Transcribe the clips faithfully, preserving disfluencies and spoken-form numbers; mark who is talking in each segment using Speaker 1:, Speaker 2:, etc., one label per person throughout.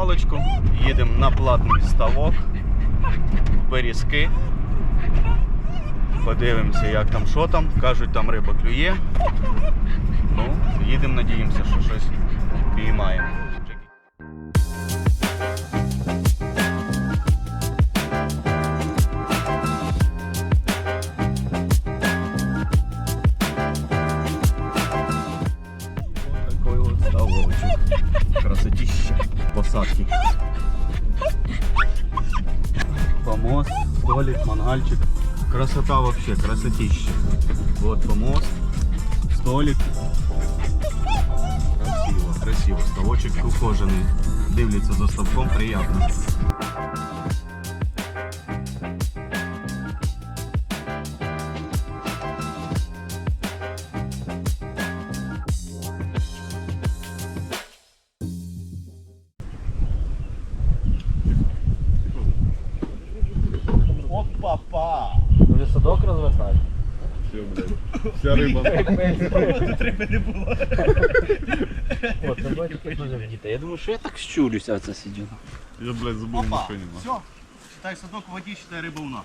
Speaker 1: паличку, їдемо на платний ставок, в Берізки. Подивимося, як там, що там. Кажуть, там риба клює. Ну, їдемо, надіємося, що щось піймаємо. Такой вот ставочек. Красотища. Посадки. Помост, столик, мангальчик. Красота вообще, красотища. Вот помост, столик. Красиво, красиво. Ставочек ухоженный. Дивляться за ставком, приятно. Опа-па!
Speaker 2: Вже садок розвертати?
Speaker 3: Все, блядь. Вся риба.
Speaker 1: Тут риби не було.
Speaker 2: От, давай дуже вдіти. Я думаю, що я так щурюся, оце сидю.
Speaker 3: Я, блядь, забыл в машине.
Speaker 1: Все, считай садок в воді, считай риба у нас.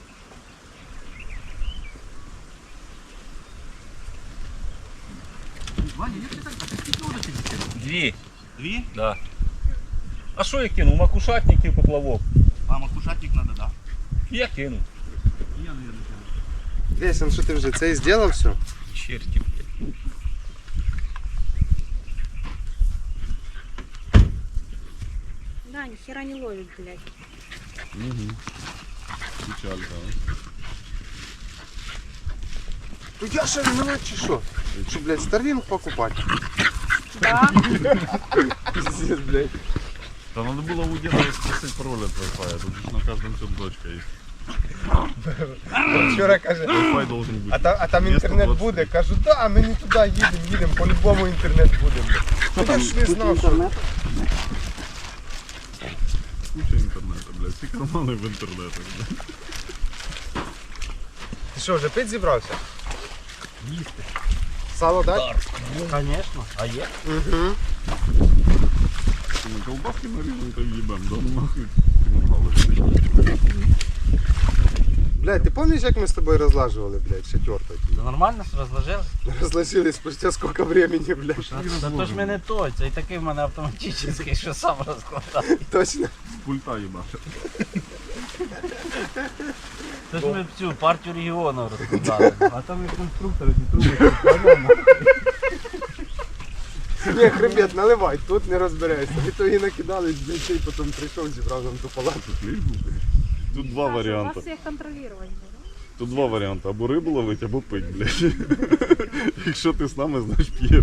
Speaker 1: Ваня, як ти так? А ти скільки удочок закинув?
Speaker 2: Дві.
Speaker 1: Дві?
Speaker 2: Да. А що я кинув? Макушатник і поплавок.
Speaker 1: А макушатник надо, да?
Speaker 2: Я кинув.
Speaker 1: Я, наверное, кинув.
Speaker 4: Лесен, що ти вже це і зробив все?
Speaker 2: Черти, блядь.
Speaker 5: Да, ни хера не ловит, блядь.
Speaker 3: Угу. Печалька,
Speaker 4: Ну я ще ревнувати чи що? Що, блядь, Starlink покупати?
Speaker 5: Да.
Speaker 4: Пиздец, блядь.
Speaker 3: да? Надо было у деда спросить пароль от Wi-Fi. Тут же на каждом все дочка есть.
Speaker 4: Вчора каже,
Speaker 3: Wi-Fi должен быть.
Speaker 4: а там, а там інтернет буде? Кажу, да, ми не туди їдемо, їдемо, по-любому інтернет буде. блядь. Ну я ж не знав, що...
Speaker 3: Куча интернета, блядь. Все карманы в интернете, блядь.
Speaker 4: Ти що, вже пить зібрався? Їсти. Сало дать?
Speaker 2: Конечно. А є?
Speaker 4: Угу.
Speaker 3: Мы колбаски нарежем, то ебем. Да ну нахуй. Мангалы.
Speaker 4: Блядь, ти пам'ятаєш, як ми з тобою розлажували, блядь, четверто?
Speaker 2: Це нормально ж розложили?
Speaker 4: Розложили спустя сколько времени, блядь.
Speaker 2: Та то ж ми не той, це і такий в мене автоматичний, що сам розкладає.
Speaker 4: Точно.
Speaker 3: С пульта ебашит.
Speaker 2: Це ж ми цю партію регіону розкладали. А там і конструктори, ті труби.
Speaker 4: Ні, хребет, наливай, тут не розберешся. Ви то і накидались, блядь, і потім прийшов, зібрав нам ту палату.
Speaker 3: Тут два варианта.
Speaker 5: Вас всех контролировать буду.
Speaker 3: Тут два варіанти. Або рибу ловить, або пить, блядь. Якщо ти з нами, значить п'єш.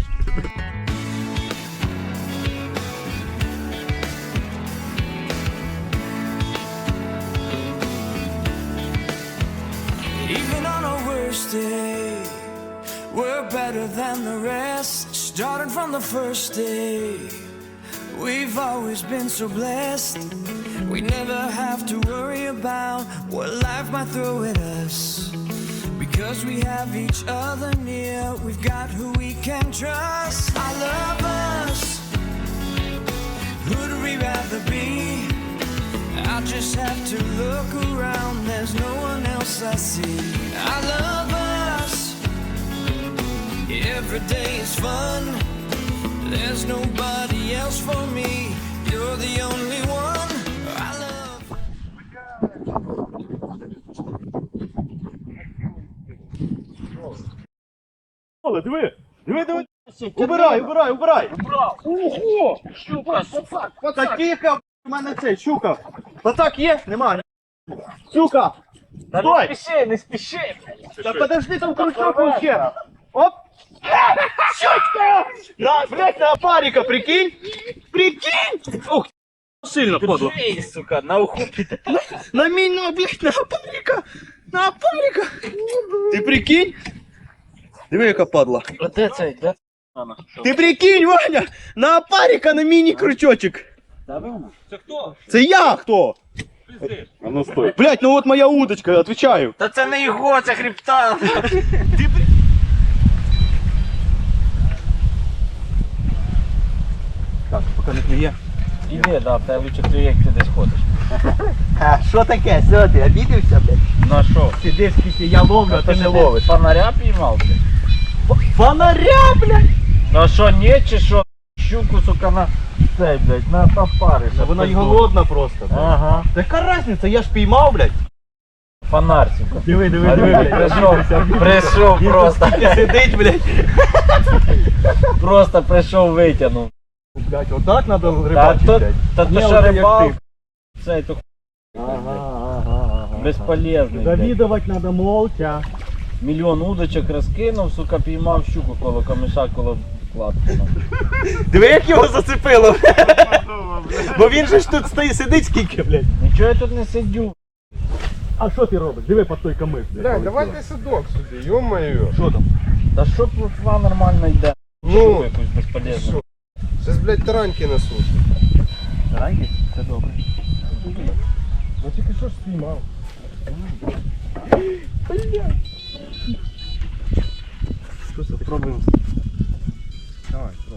Speaker 6: Even on our worst day, we're better than the rest. Starting from the first day, we've always been so blessed. We never have to worry about what life might throw at us. Because we have each other near, we've got who we can trust. I love us. Who'd we rather be? I just have to look around, there's no one else I see. I love us. Every day is fun. There's nobody else for me. You're the only one I love.
Speaker 1: Оле, диви! Диви, диви! Убирай, убирай, убирай!
Speaker 2: Ого! Щука, пацак,
Speaker 1: Та тихо, в мене цей, щука! Пацак є? Нема. Щука!
Speaker 2: Та
Speaker 1: Стой!
Speaker 2: не спіши, не спіши!
Speaker 1: Та подожди, там крючок вообще! Оп! Щучка! На, блядь, на опарика, прикинь! Прикинь! Ух, сильно подло.
Speaker 2: Ей, сука, на уху піде.
Speaker 1: На меня, блядь, на опарика! На опарика! Ти прикинь? Диви, яка падла.
Speaker 2: А де цей, де?
Speaker 1: Ти прикинь, Ваня! На опарика на міні-крючочок!
Speaker 2: Це хто?
Speaker 1: Це я хто?
Speaker 3: А ну стой.
Speaker 1: Блядь, ну от моя удочка, отвечаю.
Speaker 2: Та це не його, це хребта.
Speaker 1: Ти при... Так, поки не клює.
Speaker 2: Іди, да, в тебе лучше клює, як ти десь ходиш.
Speaker 1: А що таке? Що ти, обідився, блядь?
Speaker 2: На що?
Speaker 1: Сидиш, скільки я ловлю, а ти не ловиш.
Speaker 2: Фонаря піймав, блядь?
Speaker 1: Ф- Фонаря, блядь!
Speaker 2: Ну а що, ні, чи що? Щуку, сука, на цей, блядь, на топари.
Speaker 1: Вона й голодна просто. блядь.
Speaker 2: Ага.
Speaker 1: Така різниця, я ж піймав, блядь.
Speaker 2: Фонарь, сука.
Speaker 1: Диви, диви,
Speaker 2: А,
Speaker 1: диви, блядь.
Speaker 2: Прийшов, прийшов просто.
Speaker 1: Сидить, блядь.
Speaker 2: Просто прийшов, витягнув.
Speaker 1: Блядь, отак треба
Speaker 2: Та
Speaker 1: рибачити,
Speaker 2: то,
Speaker 1: блядь.
Speaker 2: та то
Speaker 1: Не
Speaker 2: що
Speaker 1: отак, як
Speaker 2: рибал,
Speaker 1: ти.
Speaker 2: цей, то
Speaker 1: Ага, ага, ага.
Speaker 2: безполезний, блядь.
Speaker 1: Завідувати треба молча.
Speaker 2: Мільйон удочок розкинув, сука, піймав щуку коло камиша, коло кладки.
Speaker 1: Диви, як його зацепило. Бо він же ж тут стоїть, сидить скільки, блядь.
Speaker 2: Нічого я тут не сидю.
Speaker 1: А що ти робиш? Диви по той камиш, блядь.
Speaker 4: Бля, давайте садок сюди, ё-моё.
Speaker 1: Що там?
Speaker 2: Та що плотва нормально йде?
Speaker 4: Ну,
Speaker 2: Щуку якусь безполезну.
Speaker 4: Зараз, блядь, тараньки на сушу.
Speaker 1: Тараньки? Це добре.
Speaker 4: Ну тільки що ж спіймав.
Speaker 1: Що це? Спробуємо.
Speaker 4: Давай, пробуй.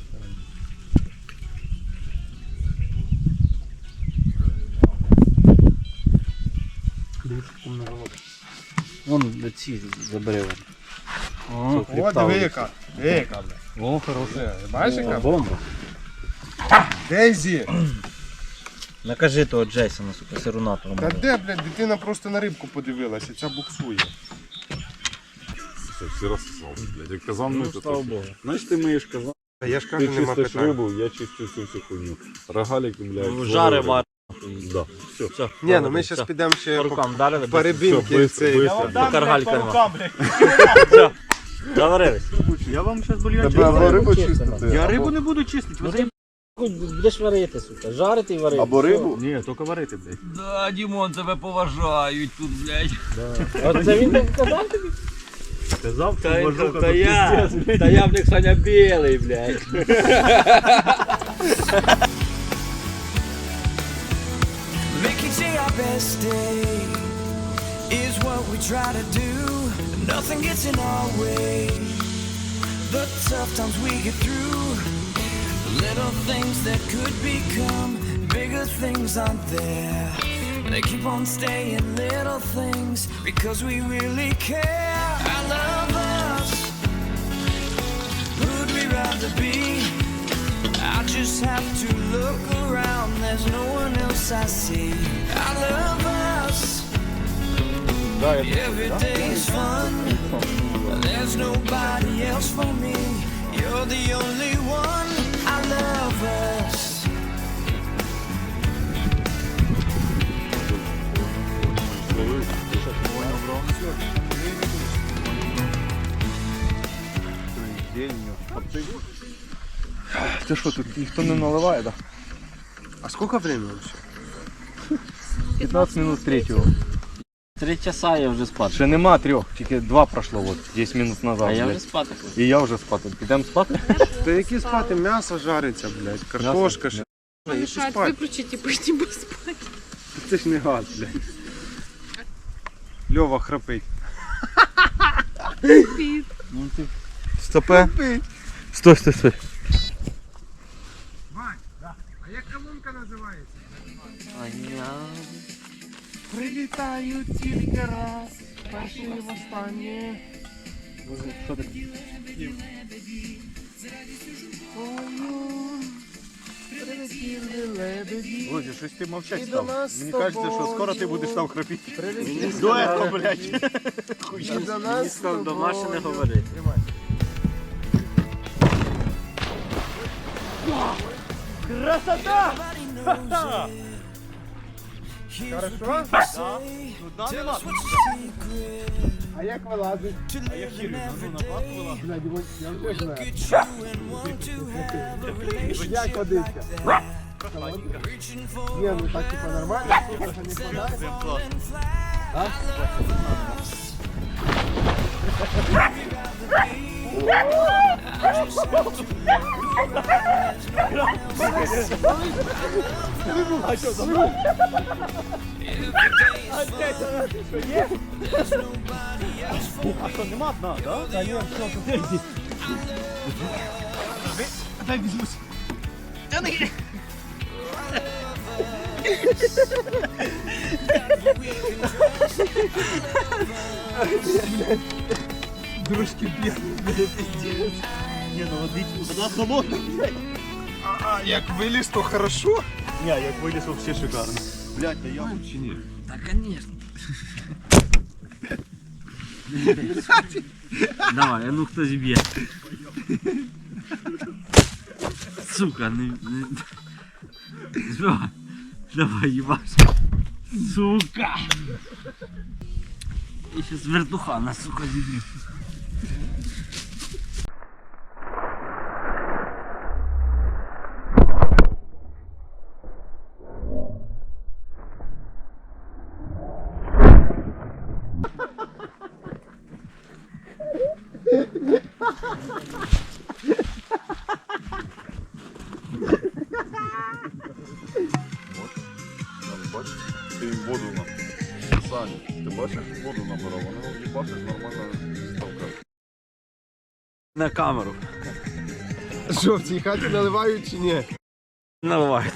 Speaker 2: Вон ці забери.
Speaker 4: О, диви яка. Диви яка, бля.
Speaker 1: О, хороше.
Speaker 4: Бачиш яка?
Speaker 2: Бомба.
Speaker 4: Дейзі.
Speaker 2: Накажи того Джейсона, сука, сируна
Speaker 4: Та
Speaker 2: промовив.
Speaker 4: де, блядь, дитина просто на рибку подивилася, ця буксує.
Speaker 3: Все, всі розсосали, блядь. Як казан мити,
Speaker 2: слава
Speaker 3: то...
Speaker 2: Богу.
Speaker 3: Знаєш, ти миєш казан,
Speaker 4: Та я ж
Speaker 3: ти
Speaker 4: кажу, нема
Speaker 3: чистиш
Speaker 4: питань.
Speaker 3: рибу, я чистю всю цю хуйню. Рогаліки, блядь.
Speaker 2: Жари
Speaker 3: вари.
Speaker 2: вар.
Speaker 3: Да, все.
Speaker 2: Все.
Speaker 4: Ні, ну ми зараз підемо ще
Speaker 2: По
Speaker 4: по,
Speaker 2: рукам дали,
Speaker 4: по рибинки.
Speaker 3: Все,
Speaker 4: цей.
Speaker 3: быстро, быстро.
Speaker 2: По каргалька нема.
Speaker 1: рукам, блядь.
Speaker 2: Все. Договорились.
Speaker 1: Я вам зараз бульйон
Speaker 3: Тебе або
Speaker 1: чистити.
Speaker 3: рибу
Speaker 2: чисто,
Speaker 3: чистити,
Speaker 1: Я
Speaker 3: або-
Speaker 1: рибу не буду чистити.
Speaker 2: Ну
Speaker 1: ви
Speaker 2: ти будеш варити, сука. Жарити і варити.
Speaker 3: Або рибу.
Speaker 1: Ні, тільки варити, блядь.
Speaker 2: Да, Дімон, тебе поважають тут, блядь. Оце він так казав тобі?
Speaker 1: Сказав,
Speaker 2: Та, та, та я, та я в них Саня білий, блядь.
Speaker 6: Make each day our best day is what we try to do. Nothing gets in our way. The tough times we get through, little things that could become bigger things aren't there. They keep on staying little things because we really care. I love us. Who'd we rather be? I just have to look around, there's no one else I see. I love us. Every day's fun. There's nobody else for me. You're the only one. I love us.
Speaker 1: Це що, тут ніхто не наливає, так?
Speaker 4: А скільки времени вообще?
Speaker 1: п'ятнадцять минут третього.
Speaker 2: Три часа я вже спати.
Speaker 1: Ще нема трьох, тільки два пройшло, от, десять минут назад.
Speaker 2: А я
Speaker 1: блядь.
Speaker 2: вже спати хочу.
Speaker 1: І я вже спати. Підемо спати?
Speaker 4: Та які спати? М'ясо жариться, блядь, картошка ще. Які
Speaker 5: Мешает
Speaker 4: спати?
Speaker 5: выключить и пойти бы спать.
Speaker 4: Це ж не газ, блядь. Льова храпить.
Speaker 2: Ну ти
Speaker 1: Стопе. Стой, стой, стой.
Speaker 4: А як колонка називається?
Speaker 2: Аня.
Speaker 4: Прилітаю тільки раз, перший і востаннє.
Speaker 1: Що таке?
Speaker 4: Прилетіли лебеді.
Speaker 1: Друзі, щось ти мовчать
Speaker 4: І до
Speaker 1: став.
Speaker 4: нас
Speaker 1: Мені
Speaker 4: з
Speaker 1: кажеться, що
Speaker 4: тобою.
Speaker 1: скоро ти будеш там храпіти.
Speaker 4: Прилетіли
Speaker 1: Дуетом, блядь.
Speaker 4: І до нас з
Speaker 2: Там до машини
Speaker 4: тобою.
Speaker 2: говори.
Speaker 4: Тримай.
Speaker 1: Красота!
Speaker 4: Хорошо?
Speaker 1: Туди нема.
Speaker 4: А як вилазить?
Speaker 1: А я хірю, ну на плату була.
Speaker 4: Блядь, ось я вже знаю. Як водичка? Ні, ну так типа нормально, сколько не хватає.
Speaker 1: Прям клас. А що, нема дна, да? Та ні, все, туди йди. Дай візьмусь. Дружки б'є. Ні, ну водичка, вода холодна, блядь.
Speaker 4: А як виліз, то хорошо.
Speaker 1: Ні, як виліз, вообще шикарно.
Speaker 3: Блядь, та я чи ні?
Speaker 2: Да, конечно. Давай, а ну хтось б'є. Сука, не... не... Збивай. Давай, їбаш. Сука. І щас вертухана, сука, зіб'ю.
Speaker 3: Бачиш? Ти їм воду на... Саня, ти бачиш, воду набирав, вони їбашиш нормально ставкають.
Speaker 2: На камеру.
Speaker 4: Що, в цій хаті наливають чи ні?
Speaker 2: Наливайте.